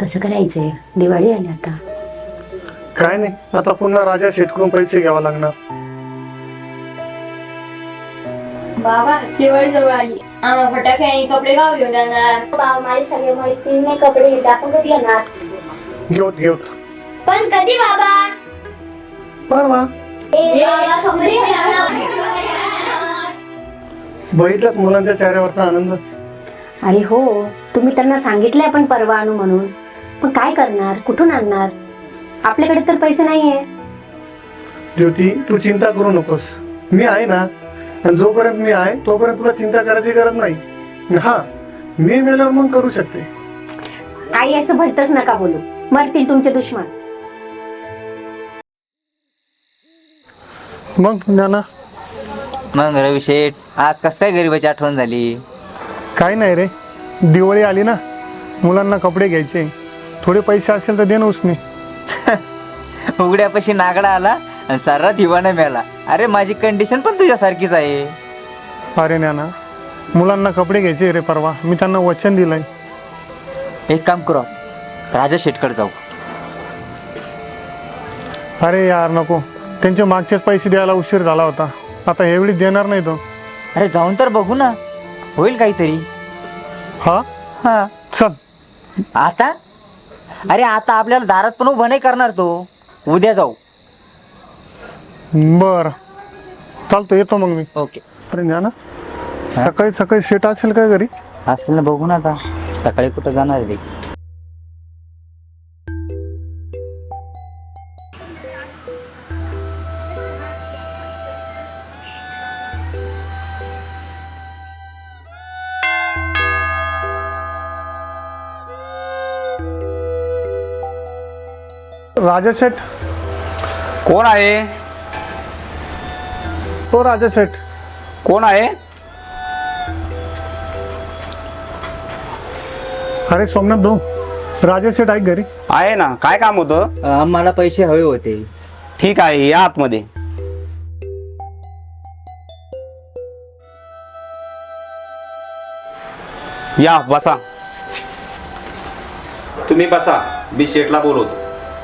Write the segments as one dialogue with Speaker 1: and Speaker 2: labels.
Speaker 1: कसं करायचंय? दिवाळी आली आता.
Speaker 2: काय नाही, आता पुन्हा राजा शेटकडून पैसे घ्यावा लागणार.
Speaker 3: बाबा दिवाळी जवळ आली, आम्हाला फटाके आणि कपडे गाव घेऊन जाणार.
Speaker 4: बाबा माझे सगळे मैत्रिणी कपडे घेतले, आपण कधी येणार?
Speaker 2: घेऊत घेऊत
Speaker 4: पण कधी बाबा?
Speaker 2: परवा. बघितलंच मुलांच्या चेहऱ्यावरचा आनंद.
Speaker 1: अरे हो, तुम्ही त्यांना सांगितलंय पण परवा आणू म्हणून, पण काय करणार? कुठून आणणार? आपल्याकडे तर पैसे नाहीये.
Speaker 2: ज्योती, तू चिंता करू नकोस, मी आहे ना. आणि जोपर्यंत मी आहे तोपर्यंत तुला चिंता करायची गरज नाही. हा, मी मेल्यावर मग करू शकते.
Speaker 1: आई असं भलतच नका बोलू, मरतील तुमचे दुश्मन.
Speaker 2: मग ज्ञाना,
Speaker 5: मग रवी शेठ, आज कस काय गरीबाची आठवण झाली?
Speaker 2: काही नाही रे, दिवाळी आली ना, मुलांना कपडे घ्यायचे, थोडे पैसे असेल तर दे ना उसने.
Speaker 5: उघड्यापाशी नागडा आला आणि सारा दिवाना मिळाला. अरे माझी कंडिशन पण तुझ्यासारखीच आहे.
Speaker 2: अरे ज्ञाना, मुलांना कपडे घ्यायचे रे परवा, मी त्यांना वचन दिलंय.
Speaker 5: एक काम करू, राजा शेठकडे जाऊ.
Speaker 2: अरे यार नको, त्यांचे मागचेच पैसे द्यायला उशीर झाला होता, आता एवढी देणार नाही तो.
Speaker 5: अरे जाऊन तर बघू ना, होईल काहीतरी.
Speaker 2: हा
Speaker 5: हा
Speaker 2: चल.
Speaker 5: आता? अरे आता आपल्याला दारात पण उभं नाही करणार तो. उद्या जाऊ.
Speaker 2: बर चालतो, येतो मग मी.
Speaker 5: ओके.
Speaker 2: अरे ज्ञाना, सकाळी सकाळी सेट असेल काय घरी?
Speaker 5: असेल ना, बघू ना आता. सकाळी कुठं जाणार आहे?
Speaker 2: राजा सेठ.
Speaker 6: कोण आहे?
Speaker 2: तो राजा सेठ.
Speaker 6: कोण आहे?
Speaker 2: अरे सोमनाथ भाऊ, राजा सेठ आहे घरी?
Speaker 6: आहे ना, काय काम होतं?
Speaker 5: आम्हाला पैसे हवे होते.
Speaker 6: ठीक आहे, या आतमध्ये. या बसा. तुम्ही बसा, मी शेठला बोलवतो.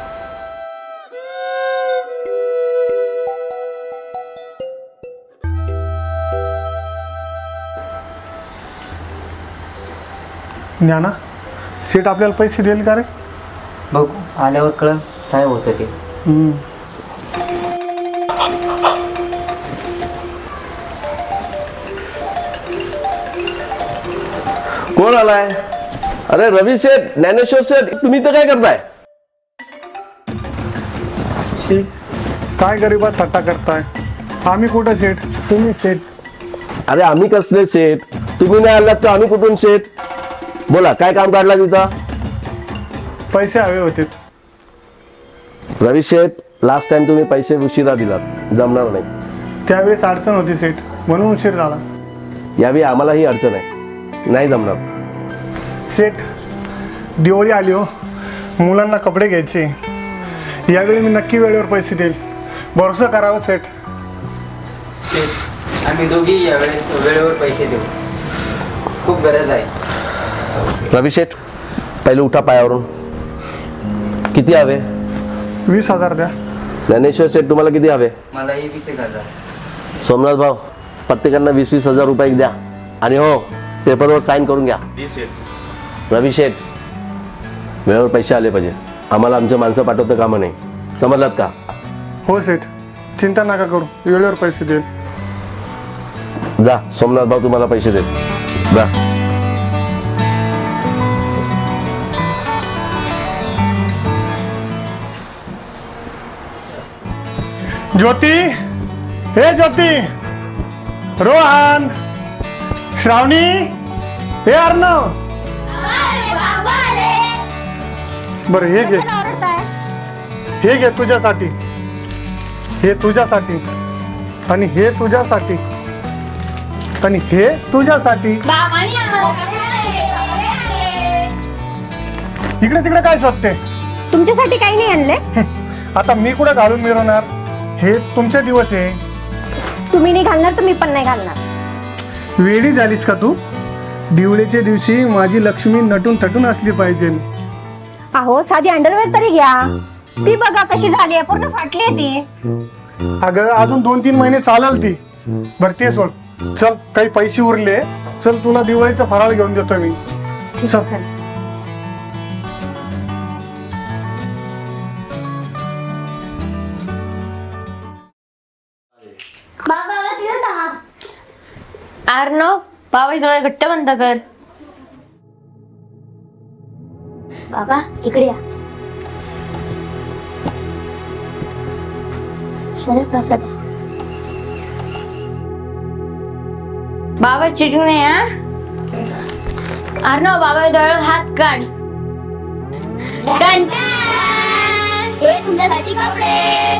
Speaker 2: ज्ञाना, सेठ आपल्याला पैसे देईल का रे?
Speaker 5: बघू, आल्यावर कळ काय होतं ते.
Speaker 7: कोण आलाय? अरे रवी शेठ, ज्ञानेश्वर शेठ, तुम्ही तर काय करताय?
Speaker 2: काय गरीबात थट्टा करताय? आम्ही कुठं सेठ, तुम्ही सेठ.
Speaker 7: अरे आम्ही कसले शेठ? तुम्ही नाही आलात तर आम्ही कुठून शेठ? बोला, काय काम काढला तिथं?
Speaker 2: पैसे हवे होते.
Speaker 7: रवी शेठ, लास्ट टाइम तुम्ही पैसे उशिरा दिलात, जमणार नाही.
Speaker 2: त्यावेळेस अडचण होती सेठ, म्हणून उशीर झाला.
Speaker 7: यावेळी आम्हालाही अडचण आहे, नाही जमणार.
Speaker 2: सेठ, दिवाळी आली हो, मुलांना कपडे घ्यायचे, यावेळी मी नक्की वेळेवर पैसे देईल, भरोसा करावा सेठ.
Speaker 5: आम्ही दोघी यावेळेस वेळेवर पैसे देऊ, खूप गरज आहे.
Speaker 7: रवी शेठ, पहिले उठा पायावरून. किती हवे?
Speaker 2: 20,000 द्या.
Speaker 7: ज्ञानेश्वर शेठ, तुम्हाला किती हवे?
Speaker 5: मला 21,000.
Speaker 7: सोमनाथ भाऊ, प्रत्येकांना 20-20 हजार रुपये द्या. आणि हो, पेपरवर साईन करून घ्या. रवी शेठ, वेळेवर पैसे आले पाहिजे, आम्हाला आमचे माणसं पाठवतं कामा नाही, समजलात का?
Speaker 2: हो सेठ, चिंता नका करू, वेळेवर पैसे देईल.
Speaker 7: जा, सोमनाथ भाऊ तुम्हाला पैसे देत. जा.
Speaker 2: ज्योती, हे ज्योती, रोहन, श्रावणी, हे अर्णव. बर, हे घे, हे घे तुझ्यासाठी, हे तुझ्यासाठी, आणि हे तुझ्यासाठी, आणि हे तुझ्यासाठी. इकडे तिकडे काय शोधते?
Speaker 1: तुमच्यासाठी काही नाही आणले.
Speaker 2: आता मी कुठे घालून मिरवणार? हे तुमचे दिवस आहे.
Speaker 1: तुम्ही नाही घालणार तर मी पण नाही घालणार.
Speaker 2: वेडी झालीस का तू? दिवाळीच्या दिवशी माझी लक्ष्मी नटून थटून असली पाहिजे.
Speaker 1: अहो साधी अंडरवेअर तरी घ्या. ती बघा कशी झाली आहे, पूर्ण फाटली आहे ती.
Speaker 2: अगं अजून 2-3 महिने चालेल ती. बरं ते सोड, चल काही पैसे उरले, चल तुला दिवाळीचा फराळ घेऊन देतो मी. चल.
Speaker 4: बाबा तिला सांगा.
Speaker 3: अर्णव बाबाचे डोळे घट्ट बंद कर.
Speaker 4: बाबा इकडे या. सरळ प्रसाद.
Speaker 3: बाबा चिटिंग नाही हा. अर्णव बाबाचे डोळे हात काढ.
Speaker 4: डन. हे तुमच्यासाठी कपडे.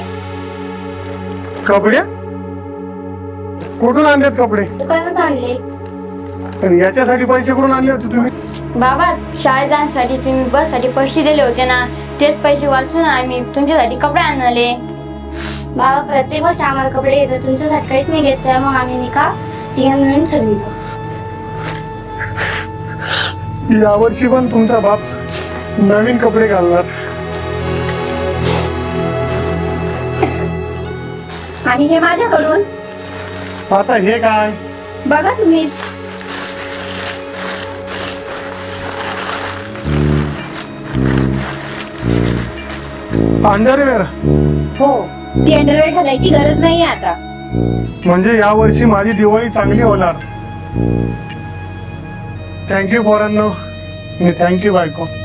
Speaker 2: कपडे कुठून आणलेत कपडे?
Speaker 4: दुकानात आणले.
Speaker 2: आणि याच्यासाठी पैसे कुठून आणले होते तुम्ही?
Speaker 3: बाबा शाळेत जाण्यासाठी तुम्ही बससाठी पैसे दिले होते ना, तेच पैसे वाचून आम्ही तुमच्यासाठी कपडे आणले.
Speaker 4: बाबा प्रत्येक वर्षी आम्हाला कपडे येतात, तुमच्यासाठी काहीच नाही घेत, त्यामुळे आम्ही नाही का तिघांनी मिळून ठरविलं.
Speaker 2: यावर्षी पण तुमचा बाप नवीन कपडे घालणार.
Speaker 1: आणि हे माझ्याकडून
Speaker 2: आता हे काय?
Speaker 1: बघा तुम्हीच.
Speaker 2: अंडरवेअर
Speaker 1: हो, ती अंडरवेअर घालायची गरज नाही आता.
Speaker 2: म्हणजे यावर्षी माझी दिवाळी चांगली होणार. थँक्यू पोरांनो. थँक्यू बायको.